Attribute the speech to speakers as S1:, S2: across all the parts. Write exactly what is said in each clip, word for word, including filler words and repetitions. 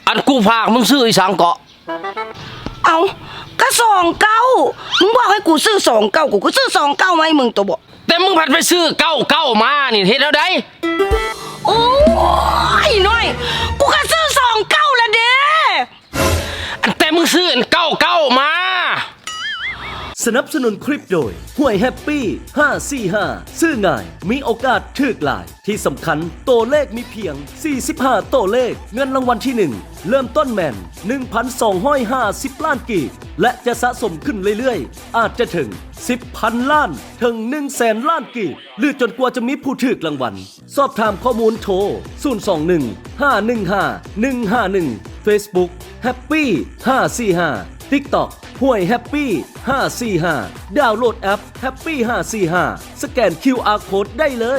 S1: อันกูฝากมึงซื้ออีสังเกาะ
S2: เอาก็สองเก้ามึงบอกให้กูซื้อสองเก้ากูก็ซื้อสองเก้ามาให้มึงตัวบ่
S1: แต่มึงผัดไปซื้อเก้าเก้ามานี่เฮ็ดแล้วได้
S2: โอ้ยน้อยกูก็ซื้อสองเก้าละเด้
S1: อันแต่มึงซื้ออันเก้าเก้ามา
S3: สนับสนุนคลิปโดยห้วยแฮปปี้ห้าสี่ห้าซื้อง่ายมีโอกาสถูกหลายที่สำคัญตัวเลขมีเพียงสี่สิบห้าตัวเลขเงินรางวัลที่หนึ่งเริ่มต้นแมน หนึ่งพันสองร้อยห้าสิบ ล้านกีบและจะสะสมขึ้นเรื่อยๆอาจจะถึง สิบพัน ล้านถึง หนึ่งแสน ล้านกีบหรือจนกว่าจะมีผู้ถูกรางวัลสอบถามข้อมูลโทรศูนย์ สอง หนึ่ง ห้า หนึ่ง ห้า หนึ่ง ห้า หนึ่ง Facebook Happy ห้าสี่ห้า TikTokห้วยแฮปปี้ห้าสี่ห้าดาวน์โหลดแอป Happy ห้าสี่ห้าสแกน คิว อาร์ Code ได้เลย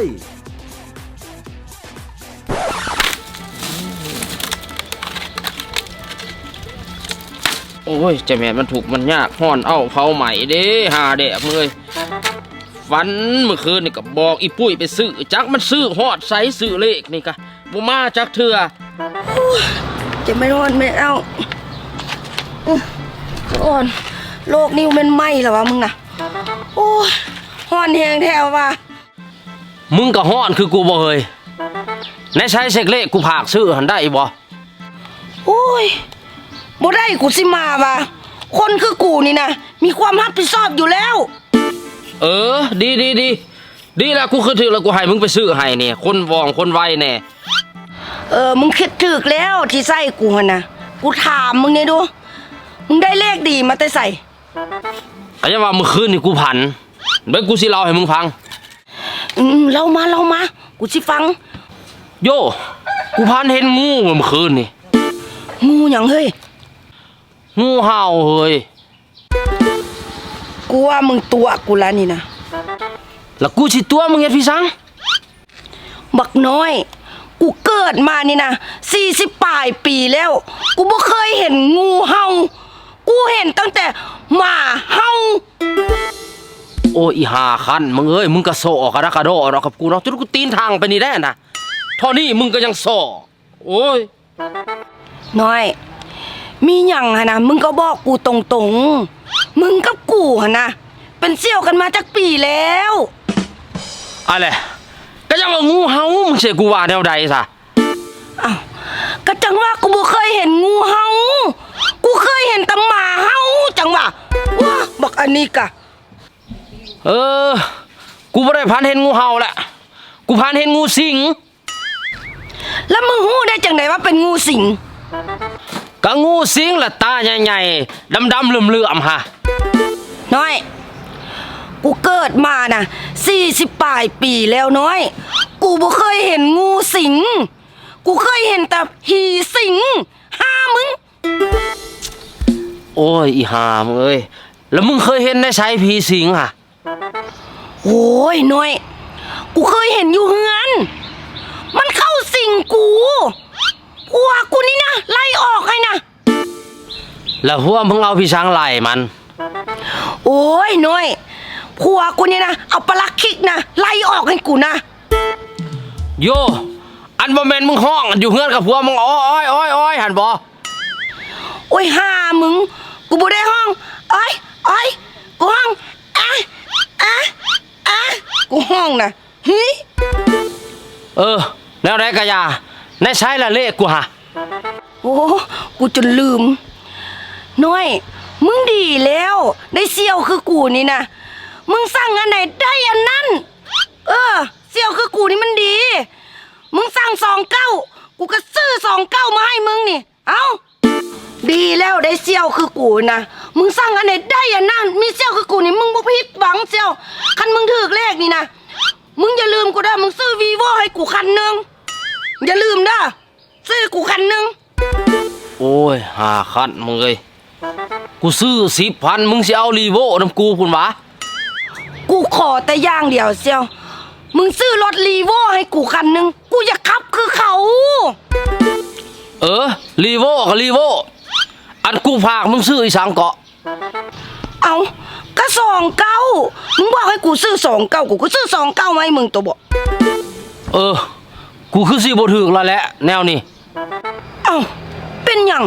S1: โอ้ยเจ้าแม่มันถูกมันยากห่อนเอ้าเผาใหม่เด้หาแดกเลยฝันเมื่อคืนนี่ก็บอกอีปุ้ยไปซื้อจักมันซื้อฮอดไซส์ซื้อเลขนี่กะบ่มาจักเถื่อ
S2: จะไม่นอนไม่เอาอ่อนโลกนิ้วมันไหมเหรอวะมึงน่ะโอ้ยห่อนแหงแถวว่ะ
S1: มึงก็ห่อนคือกูบ่เฮยในใช้เช็คเลขกูผากซื้อหันได้บ่
S2: โอ้ยบ่ได้กูสิมาว่ะคนคือกูนี่นะมีความรับผิดชอบอยู่แล้ว
S1: เออดีดีดีดีแล้วกูคือถือแล้วกูให้มึงไปซื้อให้เนี่ยคนวองคนไวแน่
S2: เออมึงคิดถึกแล้วที่ใส่กูน่ะกูถามมึงเนี่ยดูมึงได้เลขดีมาแต่ใส่
S1: ก็จะว่าเมื่อคืนนี่กูผันเดี๋ยวกูสิเล่าให้มึงฟัง
S2: อืมเล่ามาเล่ามากูสิฟัง
S1: โย่กูพันเห็นงูเมื่อคืนนี่
S2: งูหยังเฮ้ย
S1: งูเห่าเฮ้ย
S2: กูว่ามึงตัวกูแล้วนี่นะ
S1: แล้วกูสิตัวมึงเฮ็ดพี่สัง
S2: บักน้อยกูเกิดมานี่นะสี่สิบปลายปีแล้วกูบ่เคยเห็นงูเห่ากูเห็นตั้งแต่หมาเห่า
S1: โอ้อีหาคันมึงเอ้ยมึงก็โซ่กระดกกระโดดกับกูเนาะจนกูตีนทางไปนี่ได้นะเท่านี้มึงก็ยังโซ่โอ้ย
S2: น้อยมีหยังฮะนะมึงก็บอกกูตรงๆมึงกับกูฮะนะเป็นเสี่ยวกันมาจากปีแล้ว
S1: อะไรก็ยังว่างูเห่ามึงเสียกูว่าแนวใดซะ
S2: อ้าวก็จังว่ากูบ่เคยเห็นงูเห่ากูเคยเห็นแต่หมาเห่าจังว่าว้าบักอันนี้กะ
S1: เออกูบ่ได้พันเห็นงูเห่าแหละกูพันเห็นงูสิง
S2: แล้วมึงฮู้ได้จังไดว่าเป็นงูสิง
S1: ก็งูสิงละตาใหญ่ๆดำๆเหลื่อมๆฮะ
S2: น้อยกูเกิดมาน่ะสี่สิบปลายปีแล้วน้อยกูบ่เคยเห็นงูสิงกูเคยเห็นแต่ผีสิงห้ามึง
S1: โอ้ยอีห่ามึงเอ้ยแล้วมึงเคยเห็นได้ใช้ผีสิงอ่ะ
S2: โอ้ยน้อยกูเคยเห็นอยู่เฮือนมันเข้าสิงกูผัวกูนี่นะไล่ออกให้นะ
S1: แล้วผัวมึงเอาพี่ช้างไล่มัน
S2: โอ้ยน้อยผัวกูนี่นะเอาปลักคิกนะไล่ออกให้กูนะ
S1: โยอันบ่แม่นมึงห้องอยู่เฮือนกับผัวมึงอ้อยอ้อยอ้อยหันบ่
S2: โอ้ยห่ามึงกูบ่ได้ห้องอ้อยอ้อยกูห้องอ่ะอ่ะอ่ะกูห้องนะเฮ้ย
S1: เออแล้วได้กะยาในใช้ละเลขกูฮะ
S2: โอ้กูจนลืมน้อยมึงดีแล้วได้เสี่ยวคือกูนี่นะมึงสั่งอันไหนได้อันนั้นเออเสี่ยวคือกูนี่มันดีมึงสั่งสองเก้ากูก็ซื้อสองเก้ามาให้มึงนี่เอ้าดีแล้วได้เสี่ยวคือกูนะมึงสั่งอันไหนได้อันนั้นมีเสี่ยวคือกูนี่มึงบ่ผิดหวังเสี่ยวคันมึงถูกเลขนี่นะมึงอย่าลืมกูเด้อมึงซื้อวีโว่ให้กูคันนึงอย่าลืมเด้อซื้อกูคันนึง
S1: โอ้ยหาคันมึงเอ้ยกูซื้อสิบพันมึงสิเอารีโว่นำกูพุ่นวะ
S2: กูขอแต่อย่างเดียวเสี่ยวมึงซื้อรถรีโว่ให้กูคันนึงกูอยากขับคือเขา
S1: เออรีโว่กับรีโว่อันกูฝากมึงซื้ออีสังเกาะ
S2: เอาก็สองเก้ามึงบอกให้กูซื้อสองเก้ากูก็ซื้อสองเก้ามาให้มึงตัวบ่
S1: เออกูคือสิบ่ถูกแล้วแหละแนวนี้
S2: เอ้าเป็นเป็นหยัง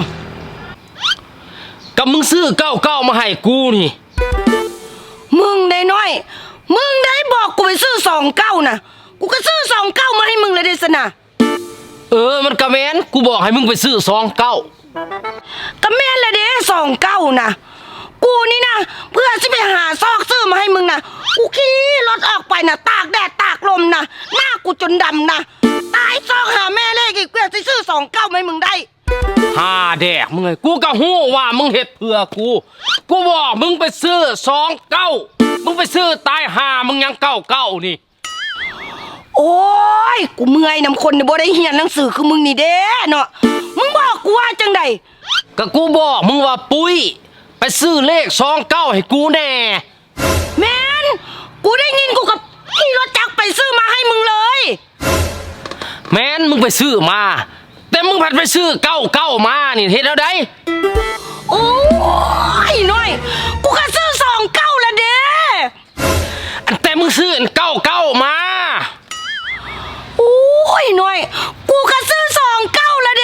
S1: กับมึงซื้อเก้าเก้ามาให้กูนี่
S2: มึงได้น้อย มึงได้บอกกูไปซื้อสองเก้านะกูก็ซื้อสองเก้ามาให้มึงเลยเดสนะ
S1: เออมันกะแม่นกูบอกให้มึงไปซื้อสองเก้า
S2: ก็แม่นละเด้สองเก้านะกูนี่นะเพื่อจะไปหาซอกซื้อมาให้มึงนะกูขี่รถออกไปนะตากแดดตากลมนะหน้ากูจนดำนะตายซอกหาแม่เลขอีกเพื่อจะซื้อสองเก้ามาให้มึงได้
S1: หาแดกมึงไงกูก็ฮู้ว่ามึงเฮ็ดเพื่อกู กูบอกมึงไปซื้อสองเก้ามึงไปซื้อตายหามึงยังเก้าเก้านี่
S2: โอ้ยกูเมื่อยน้ำคนเนี่ยบ่ได้เรียนหนังสือคือมึงนี่เด้เนาะมึงบอกกูว่าจังใด
S1: ก็กูบอกมึงว่าปุ้ยไปซื้อเลขสองเก้าให้กูแน่
S2: แม่นกูได้ยินกูกับขี่รถจักรไปซื้อมาให้มึงเลย
S1: แม้นมึงไปซื้อมา แต่มึงผัดไปซื้อเก้าเก้ามานี่เฮ็ดแล้วได้
S2: โอ้ยน้อยกูก็ซื้อสองเก้าละเด้
S1: อันแต่มึงซื้ออันเก้าเก้ามา
S2: โอ้ยน้อยกูก็ซื้อสองเก้าละเด้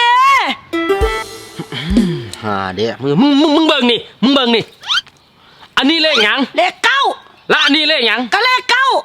S1: หาเด้มึงมึงมึงมึงเบิ่งนี่มึงเบิ่งนี่อันนี้เลขหยัง
S2: เลขเก้า
S1: และอันนี้เลขหยัง
S2: ก็เลขเก้าร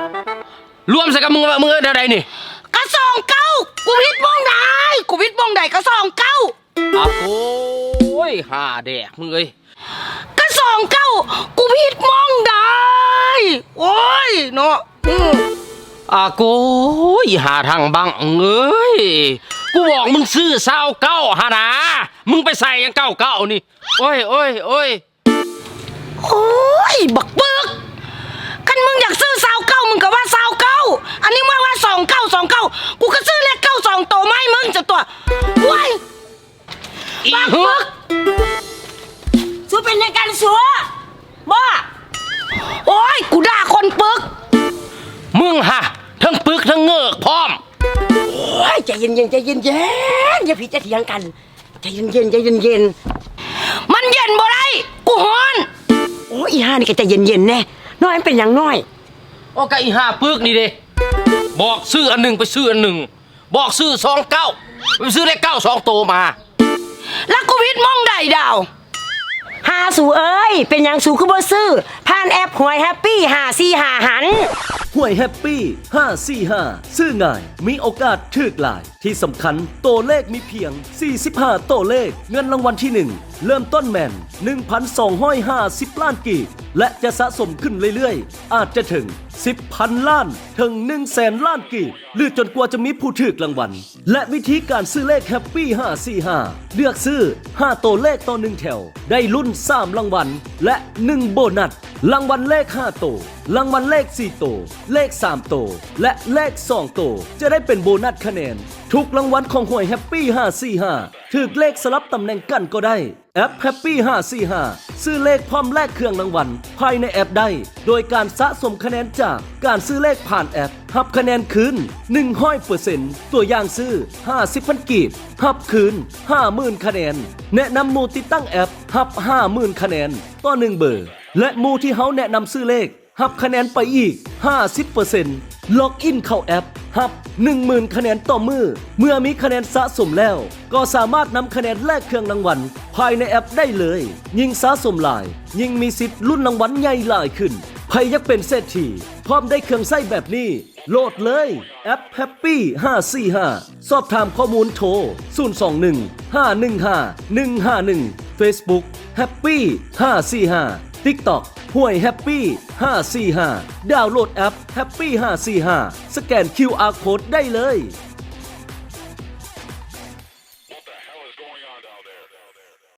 S1: วมใส่กับมึงว่ามึงเท่าใดนี่
S2: ก็สองเก้ากูพิดมองใดกูพิดมองใดก็สองเก้า
S1: อ่ะโอ้ยหาแดกมึงเอ้ย
S2: ก็สองเก้ากูพิดมองใดโอ้ยเนาะอืม
S1: อ่ะโกยหาทางบังเอ้ยกูบอกมึงซื้อเศร้าเก้าหานะมึงไปใส่ยังเก้าเก้านี่โอ้ยโอ้ยโอ้ย
S2: โอ้ยบักเบิกคันมึงอยากซื้อสาวเก้ามึงก็ว่าสาวเก้าอันนี้ว่าว่าสองเก้าสองเก้ากูก็ซื้อเลขเก้าสองโตไม่มึงจะตัวว้าย
S1: อี
S2: บัก
S1: ฮึ
S2: เบิกสู้เป็นในการสัวบ้าโอ้ยกูด่าคนปึก
S1: มึงฮะทั้งปึกทั้งเงือกพร้อม
S4: โอ้ยใจเย็นๆใจเย็นๆอย่าพี่จะเถียงกันใจเย็นๆใจเย็น
S2: มันเย็นบ่ได้กูฮ้อน
S4: ๆโอ้ยอีห่านี่ก็ใจเย็นๆแน่น้อยมันเป็นอย่างน้อย
S1: โอ้กะอีห้าปึกนี่เด้บอกซื้ออันหนึ่งไปซื้ออันหนึ่งบอกซื้อสองเก้าไปซื้อเลขเก้าสองโตมา
S2: แล้วกูพิดมองใดดาว
S4: หาสู่เอ้ยเป็นอย่างสู่คือบ่ซื้อผ่านแอปหวยแฮปปี้หาซี่หาหัน
S3: ห่วยแฮปปี้ห้าสี่ห้าซื้อง่าย มีโอกาสถึกหลาย ที่สำคัญตัวเลขมีเพียง สี่สิบห้าตัวเลข เงินรางวัลที่ หนึ่ง เริ่มต้นแมน หนึ่งพันสองร้อยห้าสิบ ล้านกีบและจะสะสมขึ้นเรื่อยๆ อาจจะถึง สิบพัน ล้าน ถึง หนึ่งแสน ล้านกีบหรือจนกว่าจะมีผู้ถึกรางวัล และวิธีการซื้อเลขแฮปปี้ห้าสี่ห้าเลือกซื้อ ห้า ตัวเลขต่อหนึ่งแถว ได้ลุ้น สาม รางวัล และ หนึ่ง โบนัส รางวัลเลขห้าตัวรางวัลเลขสี่ตัวเลขสามตัวและเลขสองตัวจะได้เป็นโบนัสคะแนน ทุกรางวัลของหวยแฮปปี้ห้าสี่ห้าถือเลขสลับตำแหน่งกันก็ได้แอปแฮปปี้ห้าสี่ห้าซื้อเลขพร้อมแลกเครื่องรางวัลภายในแอปได้ โดยการสะสมคะแนนจากการซื้อเลขผ่านแอปหับคะแนนคืน หนึ่งร้อยเปอร์เซ็นต์ ตัวอย่างซื้อ ห้าสิบ พันกีบหับคืน ห้าหมื่น คะแนน แนะนำหมู่ติดตั้งแอปหับ ห้าหมื่น คะแนนต่อหนึ่งเบอร์และหมู่ที่เขาแนะนำซื้อเลขหับคะแนนไปอีก ห้าสิบเปอร์เซ็นต์ ล็อกอินเข้าแอปหับ หนึ่งหมื่น คะแนนต่อมือเมื่อมีคะแนนสะสมแล้ว ก็สามารถนำคะแนนแลกเครื่องรางวัลภายในแอปได้เลย ยิ่งสะสมหลาย ยิ่งมีสิทธิ์ลุ้นรางวัลใหญ่หลายขึ้นใครอยากเป็นเศรษฐีพร้อมได้เครื่องไส้แบบนี้โหลดเลยแอป Happy ห้าสี่ห้าสอบถามข้อมูลโทร ศูนย์ สอง หนึ่ง ห้า หนึ่ง ห้า หนึ่ง ห้า หนึ่ง Facebook Happy ห้าสี่ห้า TikTok ห่วยแฮปปี้ห้าสี่ห้าดาวน์โหลดแอป Happy ห้าสี่ห้าสแกน คิว อาร์ Code ได้เลย